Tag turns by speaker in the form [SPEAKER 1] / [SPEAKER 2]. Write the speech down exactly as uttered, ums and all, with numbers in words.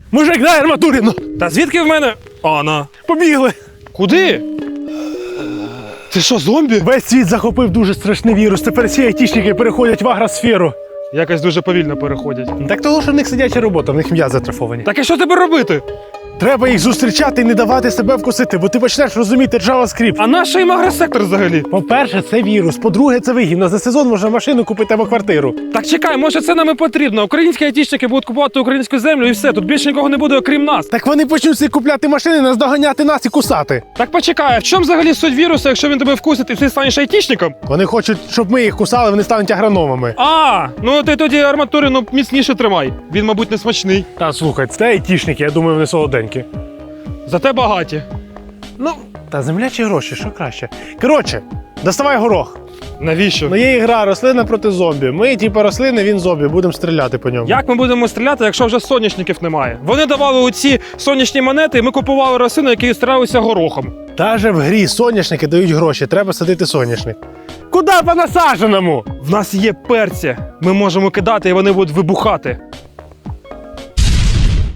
[SPEAKER 1] Мужик, дай арматурину!
[SPEAKER 2] Та звідки в мене? А, на.
[SPEAKER 1] Побігли!
[SPEAKER 2] Куди? Ти що, зомбі?
[SPEAKER 1] Весь світ захопив дуже страшний вірус. Тепер всі айтішники переходять в агросферу.
[SPEAKER 2] Якось дуже повільно переходять.
[SPEAKER 1] Так того, що в них сидяча робота, в них м'язи затрафовані.
[SPEAKER 2] Так і що тебе робити?
[SPEAKER 1] Треба їх зустрічати і не давати себе вкусити, бо ти почнеш розуміти JavaScript.
[SPEAKER 2] А наш їм агросектор взагалі?
[SPEAKER 1] По-перше, це вірус. По-друге, це вигідно. За сезон можна машину купити або квартиру.
[SPEAKER 2] Так чекай, може це нам і потрібно. Українські айтішники будуть купувати українську землю і все. Тут більше нікого не буде, окрім нас.
[SPEAKER 1] Так вони почнуть всі купляти машини, наздоганяти нас і кусати.
[SPEAKER 2] Так почекай, а в чому взагалі суть вірусу, якщо він тебе вкусить і ти станеш айтішником?
[SPEAKER 1] Вони хочуть, щоб ми їх кусали, вони стануть агрономами.
[SPEAKER 2] А, ну ти тоді арматурину міцніше тримай. Він, мабуть, не смачний.
[SPEAKER 1] Та слухай, це айтішники, я думаю, вони солоденькі.
[SPEAKER 2] Зате багаті.
[SPEAKER 1] Ну, та земля чи гроші, що краще? Коротше, доставай горох.
[SPEAKER 2] Навіщо?
[SPEAKER 1] Ну є ігра рослина проти зомбі. Ми, типу, рослини, він зомбі, будемо стріляти по ньому.
[SPEAKER 2] Як ми будемо стріляти, якщо вже соняшників немає? Вони давали оці сонячні монети, і ми купували рослини, які стрілялися горохом.
[SPEAKER 1] Даже в грі соняшники дають гроші, треба садити соняшник. Куди по насадженому?
[SPEAKER 2] В нас є перці. Ми можемо кидати, і вони будуть вибухати.